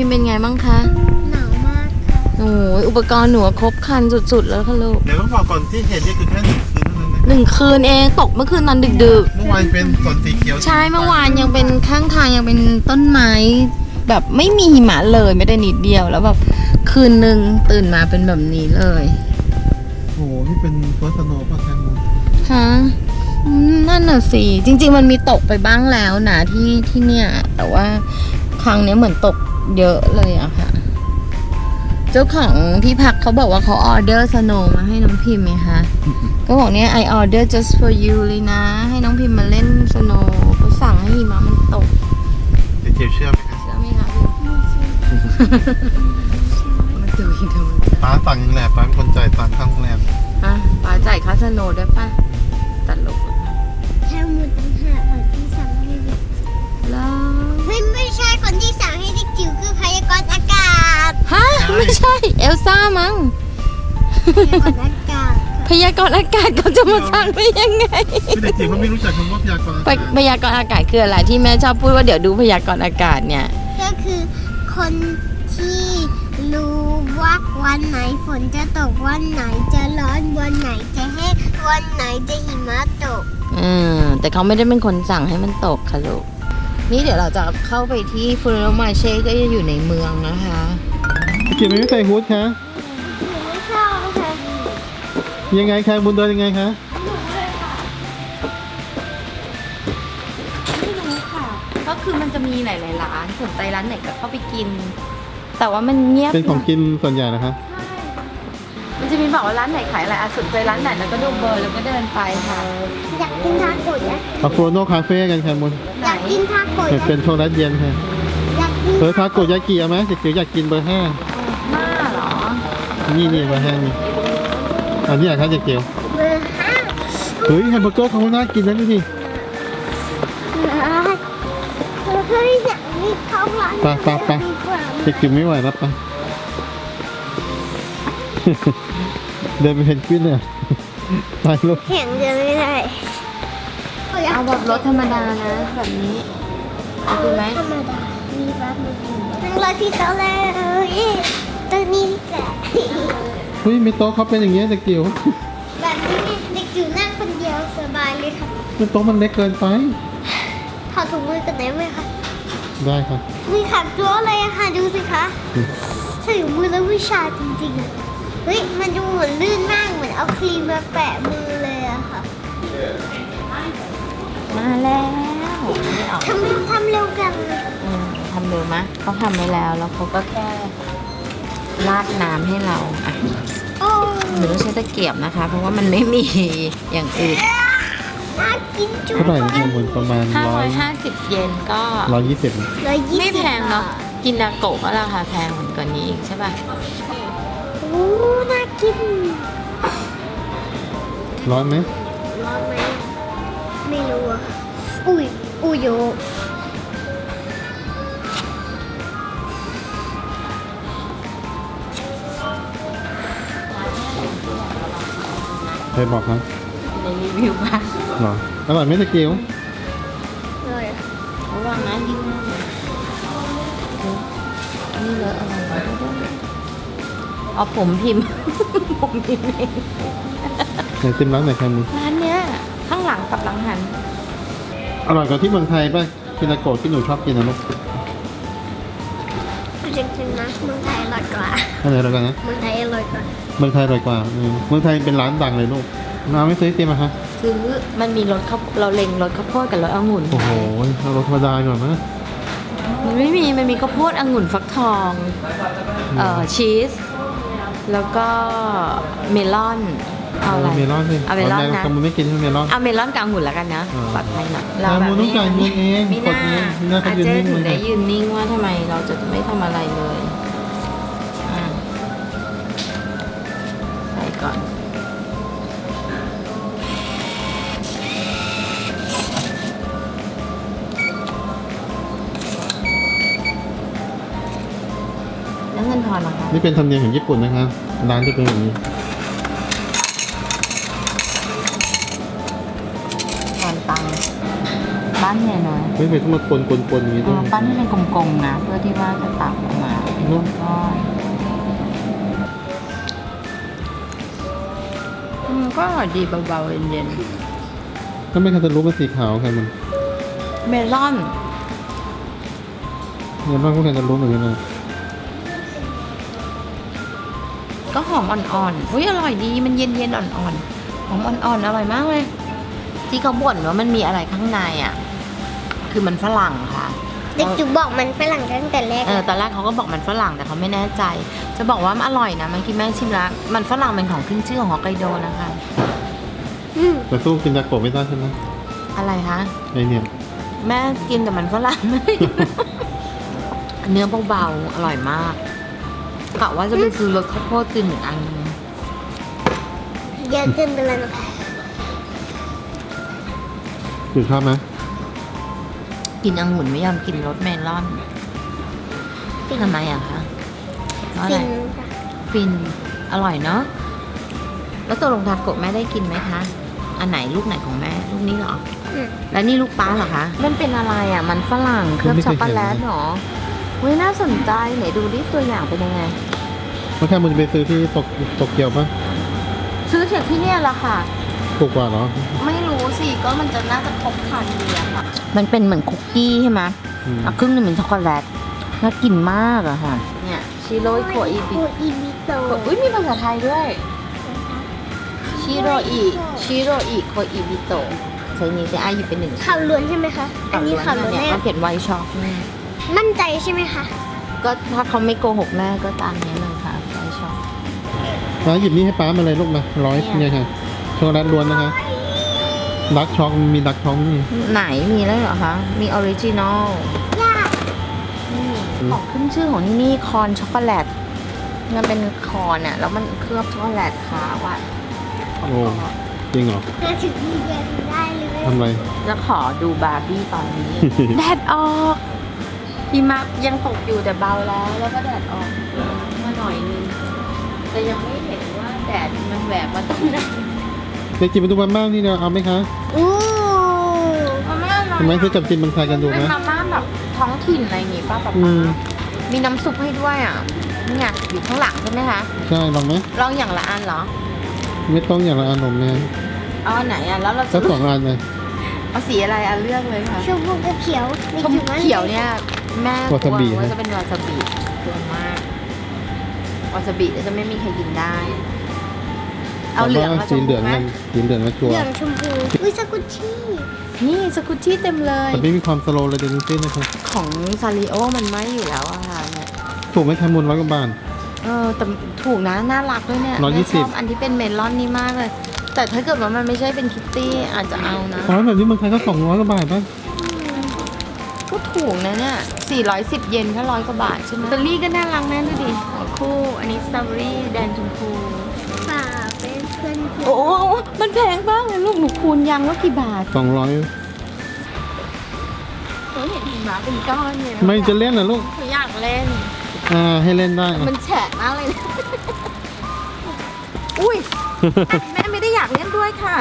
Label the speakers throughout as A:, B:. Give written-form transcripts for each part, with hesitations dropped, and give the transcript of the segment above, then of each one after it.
A: เป็นไงบ้างคะ
B: หนาวมากค่ะ
A: โอ้ยอุปกรณ์หนูครบครันสุดๆแล้วค่ะลูก
C: เดี๋ยวต้องบอกก่อนที่เห็นนี่คือแค่1 คืนเท่านั้นนะ
A: 1 คืนเองตกเมื่อคืนตอนดึก
C: เมื่อวานเป็นฝนสีเขียว
A: ๆ ใช่เมื่อวานยังเป็นข้างทางยังเป็นต้นไม้แบบไม่มีหิมะเลยไม่ได้นิดเดียวแล้วแบบคืนนึงตื่นมาเป็นแบบนี้เลย
C: โอ้โหนี่เป็นเฟิร์สสโนว์ป่ะแคมูน
A: ฮะนั่นน่ะสิจริงๆมันมีตกไปบ้างแล้วนะที่เนี่ยแต่ว่าครั้งนี้เหมือนตกเยอะเลยอะค่ะ เจ้าของที่พักเขาบอกว่าเขาออเดอร์สโนว์มาให้น้องพิมพ์ไงคะก็บอกเนี่ย I order just for you เลยนะ ให้น้องพิมพ์มาเล่นสโนว์เขาสั่งให้หิมะมันตก
C: เดี๋ยวเจียวเชื่อไหมคะ
A: เชื่อไหมคะพี่มาดูอีกดู
C: ป้าสั่งยังแหละป้าเป็นคนจ่ายตังค่าโรงแรม
A: ฮะป้าจ่ายค่าสโนว์ได้ปะตลก
B: แค่มือตั้งหากคนที่สั่งให้เด็ก
A: แล้ว
B: ไม่ใช่คนที่สั่งให้เด็กจิ๋วคือพยากรณ์อากาศ
A: ฮะไม่ใช่เอลซ่ามั้ง
B: พยากรณ์อากาศ
A: พยากรณ์อากาศเขาจะมาสั่งได้ยังไง
C: คือเด็กจิ๋วเขาไม่รู้จักคำว่าพยากรณ์อากาศ
A: พยากรณ์อากาศคืออะไรที่แม่ชอบพูดว่าเดี๋ยวดูพยากรณ์อากาศเนี่ย
B: ก็คือคนที่รู้ว่าวันไหนฝนจะตกวันไหนจะร้อนวันไหนจะแห้งวันไหนจะหิมะตก
A: แต่เขาไม่ได้เป็นคนสั่งให้มันตกค่ะลูก นี่เดี๋ยวเราจะเข้าไปที่ฟูโรมาเช่ก็จะอยู่ในเมืองนะคะ
C: เด็กจิ๋วไม่ใส่ฮู้ดคะ
B: ไม่ชอบค่ะ
C: ยังไงแคมูนเดินยังไงคะ
A: ไม่รู้ค่ะ ก็คือมันจะมีหลายๆร้านสนใจร้านไหนก็เข้าไปกิน แต่ว่ามันเงียบ
C: เป็นของกินส่วนใหญ่นะคะ
A: มันจะมีบอกว่าร้านไหนขายอะไรสนใจร้านไหนแล้วก็ดูเบอร์แล้วก็เดินไปค่ะ
B: อยากกินทาโกะนะ
C: เอาโฟโนคาเฟ่กันแคมูน
B: อยากกินทาโกะนะ
C: เป็นโทนัสเย็นค่ะ
B: อยากกิน
C: ทาโกยากิเอาไหมเด็กจิ๋วอยากกินเบอร์ 5
A: หน้าเหรอ
C: นี่เบอร์ 5นี่อันนี้อยากครับเด็กจิ๋ว
B: เบอร์ห้า
C: เฮ้ยแฮมเบอร์เกอร์เขาน่ากินนะดูดิ
B: เฮ้ยอยากมีข้าวร้าน
C: ไปเด็กจิ๋วไม่ไหวแล้วไป เดินไปเพนกวินเนี่ยตายลูก
B: แข่งเดินไม่ได้
A: เอาแบบรถธรรมดานะแบบนี้เอาดูไหม
B: ธรรมดามีบ้านไม่กินนั่งรถที่โต๊ะเลยตัวนี้แหละ
C: เฮ้ยมีโต๊ะเขาเป็นอย่างเงี้ยเด็กจิ๋ว
B: แบบนี้เด็กจิ๋วนั่งคนเดียวสบายเลยค่ะ
C: โต๊ะมันเล็กเกินไป
B: ถอดถุงมือกันได้ไหมคะ
C: ได้ค่ะ
B: มีขัดตัวเลยอะค่ะดูสิคะใส่ถุงมือแล้วผู้ชายจริงๆอะเฮ้ยมันดูเหมือนลื่นมากเหมือนเอาครีมมาแปะมือเลยอะค่ะ
A: มาแล้วไม่ออก
B: ทำเร็วกัน
A: ทำเร็วมะเขาทำไว้แล้วแล้วเขาก็แค่ราดน้ำให้เราอ่ะ
B: โอ้
A: หนูต้องใช้ตะเกียบนะคะ เพราะว่ามันไม่มีอย่างอื่น
B: น่ากินจุ๊บ
C: เท่าไหร่นะบนประมาณ
A: 550 เยนก็
C: 120
B: 120
A: ไม่แพงเนาะกินนาโกะก็ราคาแพงกว่านี้อีกใช่ป่ะ
B: โอ้น่ากิน
C: ร้อนไหม
B: ร้อนไหมไม่รู้อะอุ้ยอุ้ยโย
C: ใครบอกครับ
A: ในรีวิวป่ะ
C: หรออร่อยไหมเด็กจิ๋ว
B: เลย
A: ระวังนะยิ่งนี่เลอะอะไรวะเอาผมพิมพ์ ผมพิมพ์เอง
C: ไหนติมร้านไหนแคมูน
A: ร้านเนี้ยข้างหลังกับหลังหัน
C: อร่อยกว่าที่เมืองไทยป่ะคินาโกะที่หนูชอบกินนะลูก
B: จริงๆนะเมืองไทยอร่อยกว่า
C: อันไหนอร่อยกว่านะ
B: เมืองไทยอร่อยกว่า
C: เมืองไทยอร่อยกว่าเมืองไทยเป็นร้านดังเลยลูกน้าไม่ซื้อไอติมอะคะ
A: ซื้อมันมีรสข้าวเราเล็งรสข้าวโพดกับรสองุ่น
C: โอ้โหเอารสธรรมดาก่อนนะ
A: มันไม่มีมันมีข้าวโพดองุ่นฟักทองชีสแล้วก็เมลอนเอาอะไร
C: เมลอนสิ
A: เอาเมลอนนะ
C: แคมูนไม่กินใช่ไหมเมลอน
A: เอาเมลอนกับองุ่นแล้วกันนะ
C: อ่า
A: ปลอดภัยหน่อย
C: แคมูนต้องจ่ายเงินเอง
A: มีห
C: ก
A: น้า
C: ดเองมีหน้าเขา
A: อา
C: ยืน
A: เจ๊
C: นิ่ง
A: ถึง
C: เล
A: ได้
C: ย
A: ยืนนิ่งว่าทำไมเราจะไม่ทำอะไรเลยอ่ะใส่ก่อนแล้วเงินทอนนะคะ
C: นี่เป็นธรรมเนียมของญี่ปุ่นนะครับร้านจะเป็นแบบนี้
A: ทอนตังค์ไปปั้นเนี่ยนะ
C: ไม่เป็นต้องมาคนอย่างนี้ด้วย
A: ปั้นให้เป็นกลมๆนะเพื่อที่ว่าจะตักออกมาเป็นก้อนก็อร่อยดีเบาๆเย็น
C: ถ้าไม่คันตาลูปมันสีขาวค่ะมัน
A: ๆเมลอน
C: เงินบ้างก็คันตาลูปเหมือนกันนะ
A: ก็หอมอ่อนๆอุ้ยอร่อยดีมันเย็นๆอ่อนๆหอมอ่อนๆอร่อยมากเลยที่เขาบ่นว่ามันมีอะไรข้างในอ่ะคือมันฝรั่งค่ะ
B: เด็กจุกบอกมันฝรั่งตั้งแต่แรก
A: ตอนแรกเขาก็บอกมันฝรั่งแต่เขาไม่แน่ใจ จะบอกว่ามันอร่อยนะเมื่อกี้แม่ชิมแล้วมันฝรั่งเป็นของขึ้นชื่อของฮอกไกโดนะคะ
C: แต่สู้กินยาโกะไม่ได้ใช่ไหม
A: อะไรคะ
C: ไอเนี่ย
A: แม่กินแต่มันฝรั่ง เนื้อเบาๆอร่อยมากกะว่าจะไปซื้อรสข้าวโพดกินอีกอันนึง
B: เยอะเกินไปแล้วนะคะ
C: อยู่ชอบไหม
A: กินองุ่นไม่ยอมกินรสเมลอนทำไมอะคะเพราะอะไร
B: ฟินค่ะ
A: ฟินอร่อยเนาะแล้วตัวลงทาโกะแม่ได้กินไหมคะอันไหนลูกไหนของแม่ลูกนี้เหรอ แล้วนี่ลูกป้าเหรอคะมันเป็นอะไรอ่ะมันฝรั่งเคลือบช็อกโกแลตเหรอเว้ยน่าสนใจไหนดูดิตัวอย่างเป็นยังไง
C: เมื่อแค่มันจะไปซื้อที่โตเกียวปะ
A: ซื้อจากที่เนี่ยแหละค่ะ
C: ถูกกว่าเหรอ
A: ไม่รู้สิก็มันจะน่าจะครบครันดีอะค่ะมันเป็นเหมือนคุกกี้ใช่ไหม
C: อืม
A: ครึ่งหนึงเป็นช็อกโกแลตน่ากินมากอะค่ะเนี่ยชิโร่โคอิบิ
B: โคอิบิโตะ
A: อุ้ยมีภาษาไทยด้วยชิโรอิโคอิบิโตะใช้นี้จะอายุเป็นหนึ่ง
B: ข่าวล้วนใช่ไหมคะ อันนี้ข่าวล้วน
A: เนี่ย
B: แน่
A: เขาเขียนไวช็อกเนี่ย
B: มั่นใจใช่ไหมคะ
A: ก็ถ้าเขาไม่โกหกแม่ก็ตามนี้เลยค่ะไวช็อก
C: ป้าหยิบนี่ให้ป้ามาเลยลูกมาเนี่ยค่ะช็อกโกแลตล้วนนะคะดักช็อกมีดักช็อกนี่
A: ไหนมีแล้วเหรอคะ มีออริจินอล
B: ยาก
A: ของขึ้นชื่อของที่นี่คอนช็อกโกแลตมันเป็นคอนอะแล้วมันเคลือบช็อกโกแลตขาวอะ
C: โอ้จริงเหรอ
B: น่าถึงเรียนได้เลย
C: ทำไร
A: จะขอดูบาร์บี้ตอนนี้ แดดออกหิมะยังตกอยู่แต่เบาแล้วก็แดดออกมาหน่อยนึงแต่ยังไม่เห็นว่าแดดมันแหวกมาตรงไหน
C: เด็กจิ๋วมาดูมาม่านี่นะเอาไหมคะ
B: อู้
A: มาม่าอร่อย
C: ทำไมซื้อจับจิมบางไทยกันดู
A: เป็น
C: นะ
A: มาม่าแบบท้องถิ่นอะไรอย่างงี้ป้าป๊า
C: อืม
A: มีน้ำซุปให้ด้วยอ่ะเนี่ยอยู่ข้างหลังใช่ไหมคะ
C: ใช่ลองไหม
A: ลองอย่างละอันเหรอ
C: ไม่ต้องอย่างละอันหนมเนี่ย
A: เอาอันไหนอ่ะแล้วเราจะ
C: สัก2 อันเลย
A: เอาสีอะไรอ่ะเลือกเลยค่ะ
B: ชมพูกับเขียว
A: ชมพูเขียวเนี่ยแม่ก
C: วาซาบิ
A: ลัวว่าจะเป็นวาซาบิกลัวมากวาซาบิจะไม่มีใครกินได้ เอาเหลืองมาช
C: สี
A: ม
C: เหลื
A: พู
C: อง
A: ไหม
C: กันสีเหลืองมาชัว
B: เห
C: ร์
B: ลืองชมพูอุ้ยสกุชชี่
A: นี่สกุชชี่เต็มเลย
C: แต่ไม่มีความสโลว์เลยเดนิตี้นะครับ
A: ของซาริโอมันไม่อยู่แล้วอะค่ะเนี่ย
C: ถูกไหมแคมูล100 กว่าบาท
A: แต่ถูกนะน่ารักด้วยเนี่ย
C: 120
A: แม่ชอบอันที่เป็นเมลอนนี่มากเลย แต่ถ้าเกิดว่ามันไม่ใช่เป็นคิตตี้อาจจะเอานะ
C: อ๋อแบบนี้เมืองไทยก็200 กว่าบาทป่ะ
A: ก็ถูกนะเนี่ย410 เยนแค่100 กว่าบาทใช่ไหมเบอร์รี่ก็น่ารักแม่ดูดิคู่อันนี้สตรอเบอรี่แดงชมพู
B: ฝากเป็นเพื่อน
A: โอ้โหมันแพงมากเลยลูกหนูคูณยังว่ากี่บาท
C: 200
A: หนูเห็นหิมะเป็นก้อนเลย
C: ไม่จะเล่นนะลูก
A: หนูอยากเล่น
C: ให้เล่นได้อ่ะ
A: มันแฉะมากเลยนะ อุ้ย แม่ไม่ได้อยากเล่นด้วยค่ะ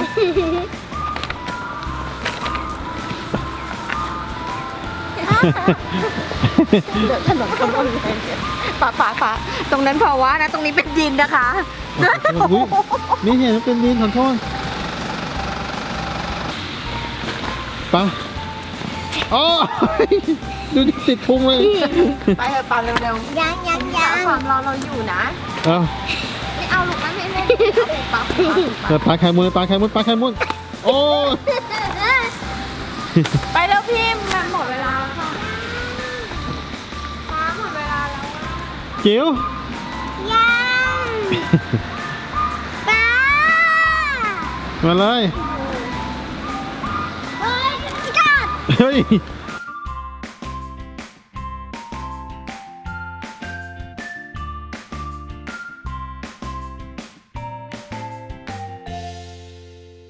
A: เดี๋ยวถนนคนละเลยป่าตรงนั้นพอว่านะ ตรงนี้เป็นดินนะคะ
C: อุ๊ยนี่เห็นเป็นดินขอโทษไปอ๋อ ดูดิติดพุงเลย
A: ไปเถอะป่าเร็ว
B: ยัง
A: ๆความเราอยู่นะ
C: เอา
A: ไม่เอาลูกนะไม่เล่นเอาป่า
C: ปลาไข่มุนปลาไข่มุนโอ้
A: ไปแล้วพี่มันหมดเวลาแล้วค่ะหมดเวลาแล้ว
C: จิ๋ว
B: ยังป้า
C: มาเลย
B: เฮ้ยกัด
C: เฮ้ย